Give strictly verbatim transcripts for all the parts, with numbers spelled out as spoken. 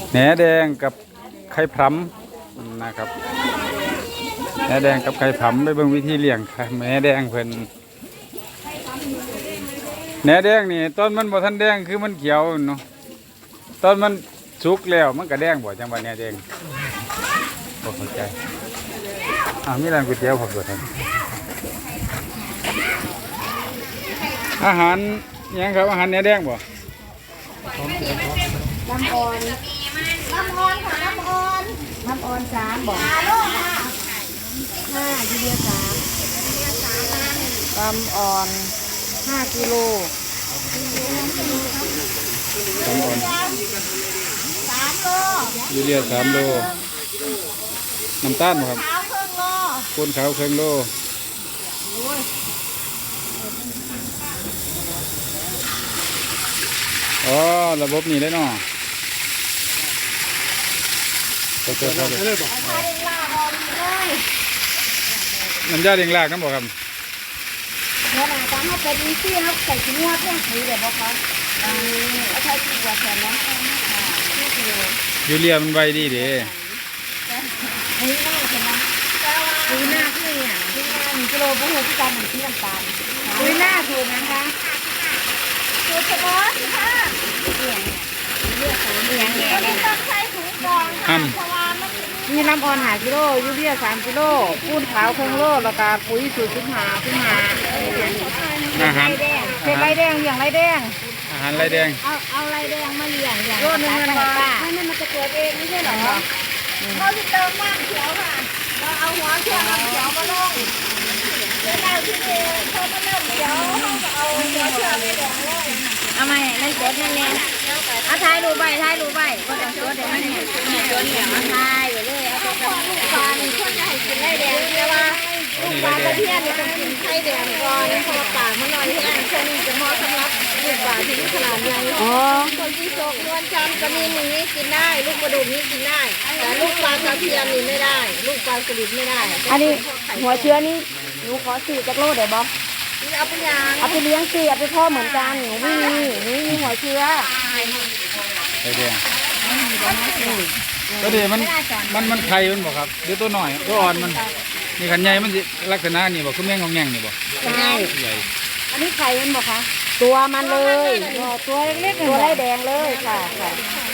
แหนแดงกับไข่พรำนะครับแหนแดงกับไข่พรำไปเบิ่งวิธีเลี้ยงแหนแดงเพิ่นแหนแดงนี่ต้นมันบ่ทันแดงคือมันเขียวเนาะต้นมันสุกแล้วมันก็แดงบ่จังว่าแหนแดงบ่เข้าใจอ่ามีร้านก๋วยเตี๋ยวผมด้วยท่านอาหารยังครับอาหารแหนแดงบ่น้ำอ่อนน้ำอ่อนค่ะน้ำอ่อนน้ำอ่อนสามบอกห้ากิโลสามน้ำอ่อนห้ากิโลน้ำอ่อนสามโลยูเรียสามโลน้ำตาลบ่ครับขาวครึ่งโลปูนขาวครึ่งโลอ๋อระบบนี้ได้เนาะก็เจอเขาเลยน้ำยาเลี้ยงลากน้ำบ่ครับเนื้อหนังการเขาเป็นอีซี่เขาใส่ชิ้นงวดเพื่อสีเดี๋ยวบอกเขาเอาใช้กี่กว่าแสนแล้วยูเรียมันใบดีเด้นี่น่าใช่ไหมนี่น่าคือเนี่ยที่น่าหนึ่งกิโลพวกเราที่การหนึ่งที่น้ำตาลนี่น่าถูกนะคะถูกเฉพาะค่ะเลือกสามเลือกเนี่ยต้องใช้ถุงกรองค่ะเพราะว่ามันมีน้ำอ่อนหากิโลยูเรียสามกิโลปูนขาวครึ่งโลแล้วก็ปุ๋ยสูตรสิบห้าสิบห้าอาหารเป็นไรแดงอย่างไรแดงอาหารไรแดงเอาเอาไรแดงมาเลี้ยงอย่างโลนึงมันป้าไม่นั่นมันจะเกิดเองไม่ใช่หรอเราจะเติมน้ำเขียวค่ะเราเอาหัวเขียวน้ำเขียวมาลงเดี๋ยวเราที่นี่พอมันเริ่มเขียวเราก็เอาหัวเขียวไปแดงลงเอาไหมนั่นกดนั่นแน่เอาถ่ายรูปใบถ่ายรูปใบก็ต้องกดเดี๋ยวมันเนี่ยเนี่ยกดเนี่ยมาถ่ายไปเลยเอาไปกับลูกปลาหนึ่งคนจะให้กินไรแดงแต่ว่าลูกปลาตะเพียนเนี่ยต้องกินไข่แดงก่อนพอปากมันหน่อยที่นั่นคนจะเหมาะสำหรับลูกปลาที่มีขนาดใหญ่อ๋อคนที่โชคนวลจันทร์กระมีนี้กินได้ลูกกระดูกนี้กินได้แต่ลูกปลาตะเพียนนี่ไม่ได้ลูกปลาสลิดไม่ได้อันนี้หัวเชื้อนี่หนูขอสี่จักรโลได้บ่เอาไปยางเอาไปเลี้ยงสี่เอาไปพ่อเหมือนกันหนูไม่มีหนูมีหัวเชื้อไรแดงก็ดีมันมันมันไข่มันบ่ครับเดี๋ยวตัวหน่อยตัวอ่อนมันนี่ขันใหญ่มันลักษณะนี่บ่คือแมงงองแงงนี่บ่ใช่ใหญ่อันนี้ไข่มันบ่คะตัวมันเลยตัวเล็กๆตัวไรแดงเลยค่ะค่ะ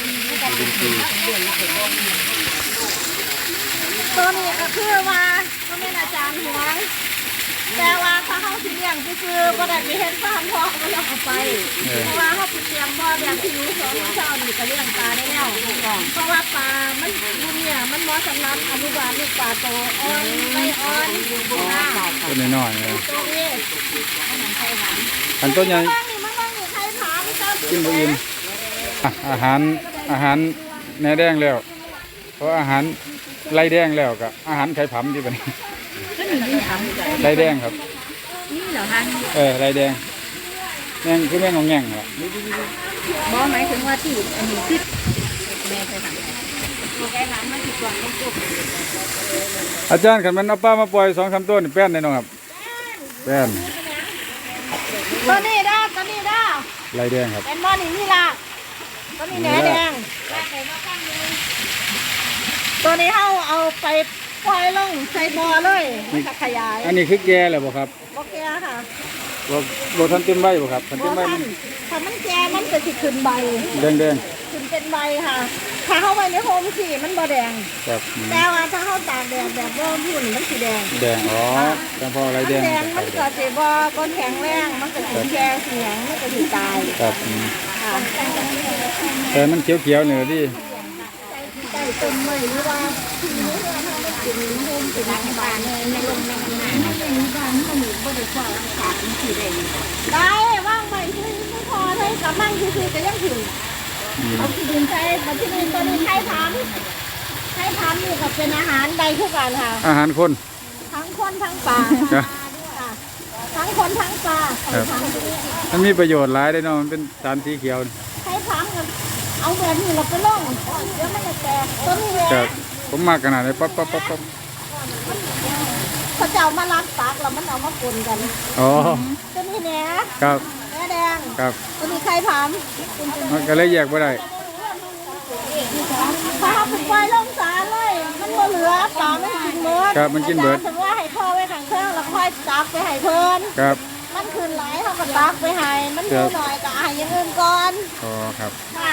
ตัวนี้ก็คือว่าก็เป็นอาจารย์หวงแต่ว่าถ้าเขาสิเลี้ยงคือๆก็ได้ไปเห็นฟาร์มพ่อเขาเอาไปเพราะว่าเขาไปเตรียมบ่อแบบที่รู้สองเช้านี่ก็เลี้ยงปลาได้แล้วเพราะว่าปลามันดูเนี่ยมันเหมาะสำหรับอนุบาลลูกปลาโตอ่อนไม่อ่อนตัวน้อยๆเลยตัวนี้อันตัวใหญ่กินบ่อิ่มอาหารอาหารแหนแดงแล้วเพราะอาหารไรแดงแล้วกับอาหารไข่ผำที่เป็นไรแดงครับนี่เหรอฮะเออไรแดงแมงคือแมงงองแงงเหรอบ่หมายถึงว่าที่อันนี้ที่แม่เคยทำเคยทำมาติดก่อนต้องจบอาจารย์ขันมันเอาป้ามาปล่อยสองสามต้นแป้นได้น้องครับแป้นตัวนี้ด้าตัวนี้ด้าไรแดงครับเป็นบ่อนี่นี่ละตัวนี้แหนแดงตัวนี้เอาเอาไปปล่อยลงใส่บ่อเลยมันจะขยายอันนี้คือแก่แล้วบ่ครับบ่แก่ค่ะบ่บ่ทันเต็มใบบ่ครับทันเต็มใบถ้ามันแก่มันจะสิขึ้นใบแดงแดงขึ้นเป็นใบค่ะถ้าเข้าไปในโฮมสีมันบ่แดงครับแต่ว่าถ้าเข้าตากแดดแบบร่มหุ่นมันสีแดงแดงอ๋อแต่พออะไรแดงแดงมันก็สิบ่ก้นแข็งแรงมันก็สิแก่เสียงมันก็สิตายครับค่ะแต่มันเขียวๆเหนือดิใส่ต้นไม้หรือว่าที่นี้เราทำให้กินโฮมสีน้ำบานในลมในน้ำไม่ได้มีบ้านมันอยู่บ่ได้กว่าขาดมันสีแดงได้ว่างไปคือไม่พอเลยกับมั่งคือจะยังถึงเอาที่ดินใช้มาที่ดินตัวนี้ใช้พันใช้พันนี่ก็เป็นอาหารใดทุกการค่ะอาหารคนทั้งคนทั้งปลาทั้งคนทั้งปลามันมีประโยชน์หลายได้เนาะมันเป็นสารสีเขียวใช้พันกันเอาแบบนี้เราไปล่องเดี๋ยวมันจะแตกต้นนี้เลยผมมากขนาดไหนปั๊บปั๊บปั๊บปั๊บพระเจ้ามาล้างปากแล้วมันเอามาปนกันอ๋อต้นนี้แหนครับแหนแดงครับต้นนี้ใครถามมันก็เลยแยกไม่ได้มครับมันกินเบิดถึงว่าให้พ่อไว้ข้างเครื่องแล้วค่อยตักไปให้เพิ่นครับมันคืนหลายเขาก็ตักไปให้มันดูหน่อยก็ให้อย่างอื่นก่อนอ๋อครับค่ะ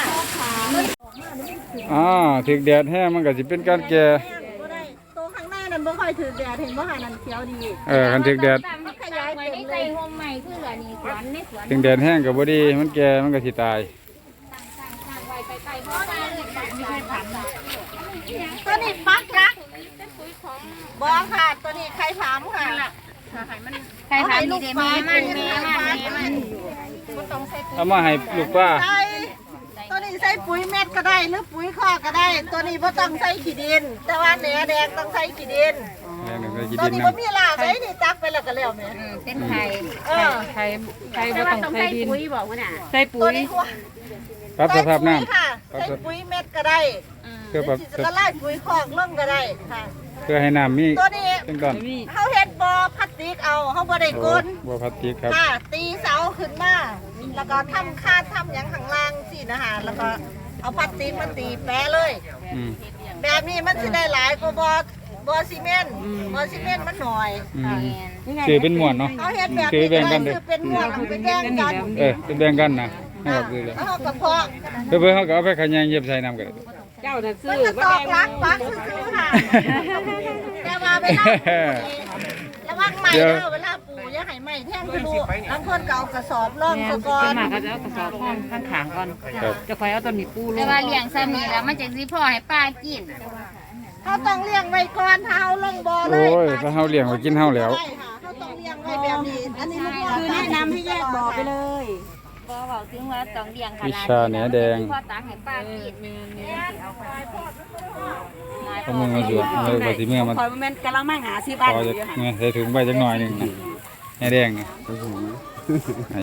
อ่าถึกแดดแห้งมันก็สิเป็นการแก่บ่ได้ตัวข้างหน้านั่นบ่ค่อยถือแดดเห็นบ่ค่ะนั่นเขียวดีเออคันถึกแดดมันขยายเต็มเลยห่มใหม่คือเหลือนี่สวนในสวนถึงแดดแห้งก็บ่ดีมันแก่มันก็สิตายไว้ไกลๆบ่ได้เลยไม่ใช่ผันตัวนี้ปักนะบ่ค่ะตัวนี้ไข่ผามค่ะใครผันนี่เด้แม่มันแม่มันแม่มันเอามาให้ลูกป้าใส่ตัวนี้ใส่ปุ๋ยเม็ดก็ได้หรือปุ๋ยคอกก็ได้ ตัวนี้บ่ต้องใส่ขี้ดิน แต่ว่าแหนแดงต้องใส่ขี้ดินแม่หนึ่งก็กินตัวดินนี้นำบ่มีรากเลยนี่ตักไปแล้วก็แล้วแม่เป็นไข่เออใครใครบ่ต้องใส่ดินปุ๋ยบอกว่าน่ะใส่ปุ๋ตัวย นี้หัวปรับสภาพน้ำใส่ปุ๋ยค่ะใส่ปุ๋ยเม็ดก็ได้เพื่อปรับสิจะไล่ปุ๋ยคอกลงก็ได้ค่ะเพื่อให้น้ำมีตัวนี้เป็นก้อนเฮาเฮ็ดบ่อพลาสติกเอาเฮาบ่ได้กลบัวพลาสติกครับค่ะตีเสาขึ้นมาแล้วก็ทำคาดทำหยังข้างล่างสินะคะแล้วก็เอาพลาสติกมาตีแปะเลยอืมแบบนี้มันสิได้หลายกว่าบ่อบ่อซีเมนต์บ่อซีเมนต์มันหน่อยอืมซื้อเป็นหมวนเนาะเขาเฮ็ดแบบซื้อนี้แบ่งกันเด้คือ อเป็นหมวดเอาไปแย่งกันเออเป็นแบ่งกันนะให้ออกซื้อเลยแล้วเขาก็เพาะเพื่อเพื่อเขาก็เอาไปขยายเย็บใส่น้ำกันเจ้าน่ะซื้มันอก็ตอกลักปักซื้อๆค่ะแต่ว่าเวลาปลูกระวังใหม่เด้อเวลาปลูกอย่าให้ไหม้แท่งทะลุบางคนก็เอากระสอบร่องซะก่อส่วนนมากก็จะเอากระสอบห้องข้างขางก่อนครับจะคอยเอาต้นนี้ปูลแต่งว่าเลี้ยงซ้ำนี่แล้วมันจะสิพ่อให้ป้ากินเขาต้องเลี้ยงไว้ก่อนถ้าเอาลงบ่อเลยโอ้ยถ้าเฮาเลี้ยงไว้กินเฮาแล้วใช่ค่ะเขาต้องเลี้ยงไว้แบบนี้อันนี้คือแนะนำให้แยกบ่อไปเลยบ่เว้าถึงว่าต้องเลี้ยงขวินาดชาแหนแดงพ่อตักให้ป้ากินเอามือมาสวดเอาไปสิเมื่อมันคอยแม่นกะละมังหาสิบพบาทอจะเนี่ยใส่ถุงใบจักหน่อยหนึงนะแหนแดงนี่